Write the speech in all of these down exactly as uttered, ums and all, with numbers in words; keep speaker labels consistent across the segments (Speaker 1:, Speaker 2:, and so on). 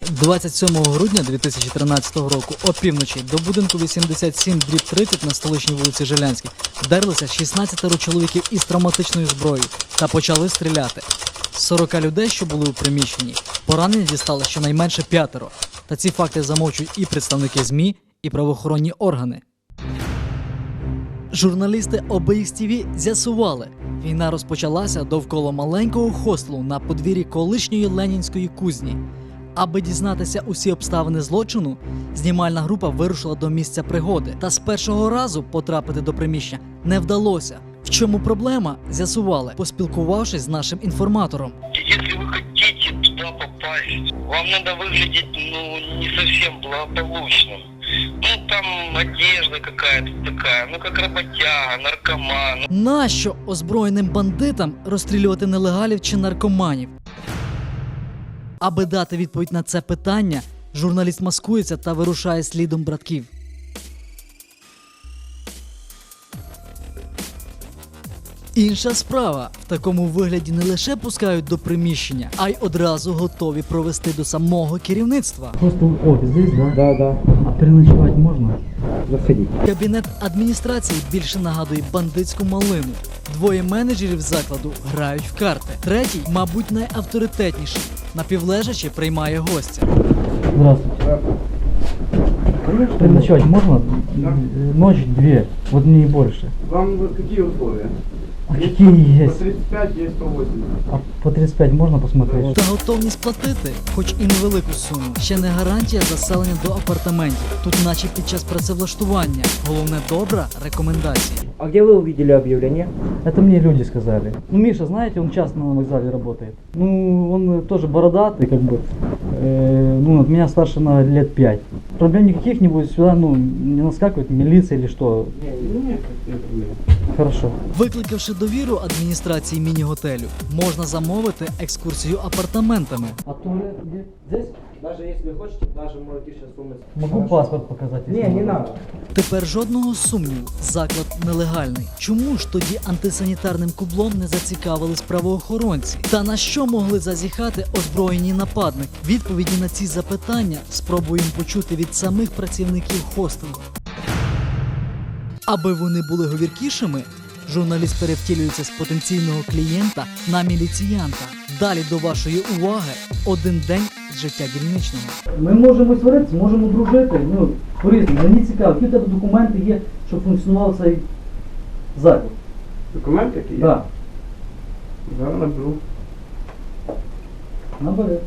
Speaker 1: двадцять сьомого грудня дві тисячі тринадцятого року опівночі до будинку вісімдесят сім дріб тридцять на столичній вулиці Жилянській вдерлися шістнадцять чоловіків із травматичною зброєю та почали стріляти. З сорока людей, що були у приміщенні, поранені дістали щонайменше п'ятеро. Та ці факти замовчують і представники ЗМІ, і правоохоронні органи. Журналісти О Б Х Т В з'ясували, війна розпочалася довкола маленького хостелу на подвір'ї колишньої Ленінської кузні. Аби дізнатися усі обставини злочину, знімальна група вирушила до місця пригоди. Та з першого разу потрапити до приміщення не вдалося. В чому проблема, з'ясували, поспілкувавшись з нашим інформатором.
Speaker 2: Если вы хотите туда попасть, вам надо выглядеть, ну, не совсем благополучным. Ну, там одежда какая-то такая, ну, как работяга, наркоман.
Speaker 1: Нащо озброєним бандитам розстрілювати нелегалів чи наркоманів? Аби дати відповідь на це питання, журналіст маскується та вирушає слідом братків. Інша справа. В такому вигляді не лише пускають до приміщення, а й одразу готові провести до самого керівництва.
Speaker 3: Просто офис здесь, да?
Speaker 4: Да, да.
Speaker 3: А переночевать можно?
Speaker 4: Заходи.
Speaker 1: Кабінет адміністрації більше нагадує бандитську малину. Двоє менеджерів закладу грають в карти. Третій, мабуть, найавторитетніший. Напівлежачи приймає гостя.
Speaker 3: Здравствуйте. Переночевать можно? Ночь, две, вот не больше.
Speaker 4: Вам вот какие условия?
Speaker 3: А какие
Speaker 4: По
Speaker 3: есть?
Speaker 4: тридцать пять, есть сто восемьдесят.
Speaker 3: А по тридцать пять можно посмотреть?
Speaker 1: Та готовність платити, хоч і невелику суму, ще не гарантія заселення до апартаментів. Тут наче під час працевлаштування. Головне добра рекомендація.
Speaker 4: А где вы увидели объявление?
Speaker 3: Это мне люди сказали. Ну, Миша, знаете, он часто на вокзале работает. Ну, он тоже бородатый, как бы. Э, ну, от меня старше на лет пять. Проблем никаких не будет, сюда, ну, не наскакивает милиция или что.
Speaker 4: Нет, нет проблем.
Speaker 3: Хорошо.
Speaker 1: Викликавши довіру адміністрації міні-готелю, можна замовити екскурсію апартаментами.
Speaker 3: А туалет где? Здесь?
Speaker 4: Даже если хотите, даже можете сейчас умыть.
Speaker 3: Могу паспорт показать? если
Speaker 4: Не, не
Speaker 3: надо.
Speaker 4: надо.
Speaker 1: Тепер жодного сумніву, заклад нелегальний. Чому ж тоді антисанітарним кублом не зацікавились правоохоронці? Та на що могли зазіхати озброєні нападники? Відповіді на ці запитання спробуємо почути від самих працівників хостелу. Аби вони були говіркішими, журналіст перевтілюється з потенційного клієнта на міліціянта. Далі до вашої уваги один день з життя дільничного.
Speaker 3: Ми можемо сваритися, можемо дружити. Ну, по-різному. Мені цікаво, які в тебе документи є, щоб функціонував цей заклад?
Speaker 4: Документ какие?
Speaker 3: Да.
Speaker 4: Да, наберу.
Speaker 3: Набери.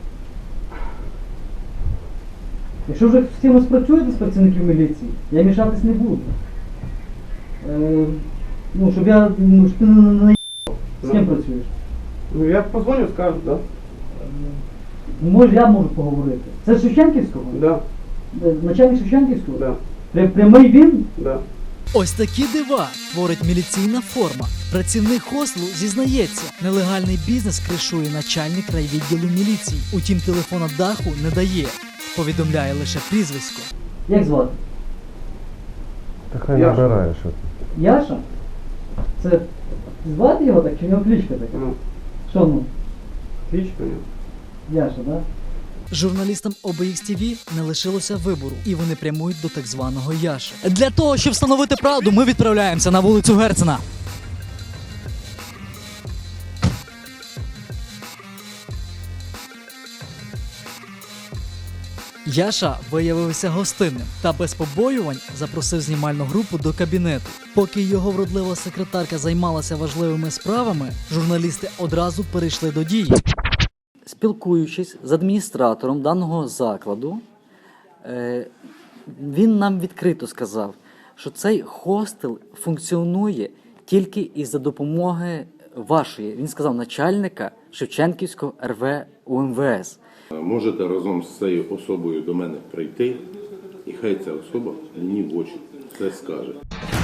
Speaker 3: Якщо вже з кимось працюєте з працівників міліції, я мішатись не буду. Е, ну, щоб я, ну, щоб ти не наїбав. З ким
Speaker 4: Ну.
Speaker 3: працюєш?
Speaker 4: Ну, я позвоню, скажу, да?
Speaker 3: Ну, може, я можу поговорити. Це з Шевченківського?
Speaker 4: Да,
Speaker 3: Е, Начальник Шевченківського?
Speaker 4: да,
Speaker 3: Пря- Прямий він?
Speaker 4: да.
Speaker 1: Ось такі дива творить міліційна форма. Працівник хостелу зізнається, нелегальний бізнес кришує начальник райвідділу міліції. Утім, телефона даху не дає, повідомляє лише прізвисько.
Speaker 3: Як звати?
Speaker 5: Та хай
Speaker 4: Яша.
Speaker 5: набирає, що.
Speaker 3: Яша? Це звати його так, чи в нього кличка така?
Speaker 4: Ну,
Speaker 3: Що ну?
Speaker 4: кличка у него.
Speaker 3: Яша, так? Да?
Speaker 1: Журналістам О Б Х Т В не лишилося вибору, і вони прямують до так званого Яши. Для того, щоб встановити правду, ми відправляємося на вулицю Герцена. Яша виявився гостинним та без побоювань запросив знімальну групу до кабінету. Поки його вродлива секретарка займалася важливими справами, журналісти одразу перейшли до дії. Спілкуючись з адміністратором даного закладу, е, він нам відкрито сказав, що цей хостел функціонує тільки із-за допомоги вашої, він сказав, начальника Шевченківського Р В У М В С.
Speaker 6: Можете разом з цією особою до мене прийти, і хай ця особа мені в очі це скаже.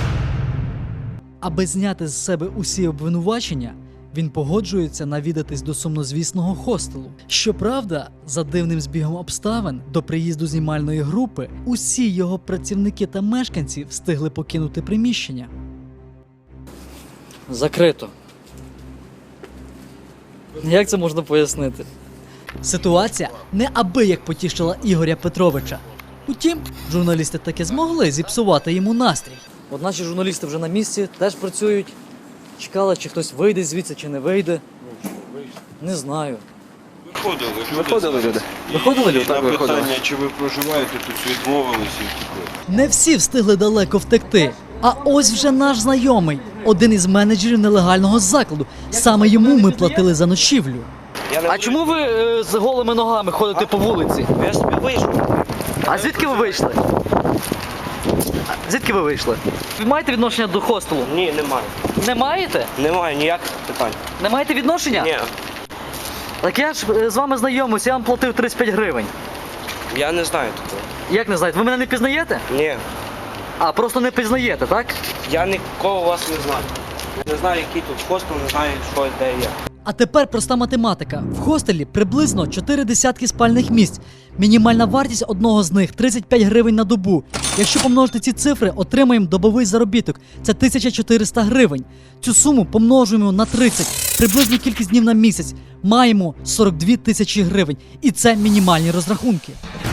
Speaker 1: Аби зняти з себе усі обвинувачення, він погоджується навідатись до сумнозвісного хостелу. Щоправда, за дивним збігом обставин, до приїзду знімальної групи усі його працівники та мешканці встигли покинути приміщення. Закрито. Як це можна пояснити? Ситуація неабияк потішила Ігоря Петровича. Утім, журналісти таки змогли зіпсувати йому настрій. От наші журналісти вже на місці, теж працюють. Чекали, чи хтось вийде звідси, чи не вийде. Не знаю.
Speaker 7: Виходили люди.
Speaker 8: Виходили люди.
Speaker 1: Виходили люди?
Speaker 7: І
Speaker 1: Так,
Speaker 7: на
Speaker 1: виходили.
Speaker 7: питання, чи ви проживаєте, тут відмовилися і втекли.
Speaker 1: Не всі встигли далеко втекти. А ось вже наш знайомий, один із менеджерів нелегального закладу. Саме йому ми платили за ночівлю.
Speaker 9: А чому ви е, з голими ногами ходите по вулиці?
Speaker 8: Я собі вийшов.
Speaker 9: А звідки ви вийшли? А Звідки ви вийшли? Ви маєте відношення до хостелу?
Speaker 8: Ні, немає.
Speaker 9: Не маєте?
Speaker 8: Немає ніяких питань.
Speaker 9: Не маєте відношення?
Speaker 8: Ні,
Speaker 9: Так я ж е, з вами знайомився, я вам платив тридцять п'ять гривень.
Speaker 8: я не знаю такого.
Speaker 9: Як не знаєте? Ви мене не пізнаєте?
Speaker 8: Ні,
Speaker 9: А, просто не пізнаєте, так?
Speaker 8: я нікого вас не знаю. Я не знаю, який тут хостел, не знаю, що де є.
Speaker 1: А тепер проста математика. В хостелі приблизно чотири десятки спальних місць. Мінімальна вартість одного з них тридцять п'ять гривень на добу. Якщо помножити ці цифри, отримаємо добовий заробіток. Це тисяча чотириста гривень. Цю суму помножуємо на тридцять. Приблизну кількість днів на місяць. Маємо сорок дві тисячі гривень. І це мінімальні розрахунки.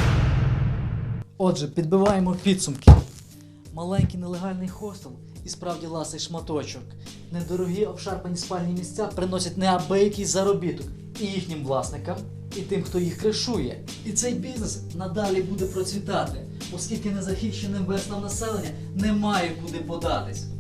Speaker 1: Отже, підбиваємо підсумки. Маленький нелегальний хостел і справді ласий шматочок. Недорогі обшарпані спальні місця приносять неабиякий заробіток і їхнім власникам, і тим, хто їх кришує. І цей бізнес надалі буде процвітати, оскільки незахищеним верствам населення немає куди податись.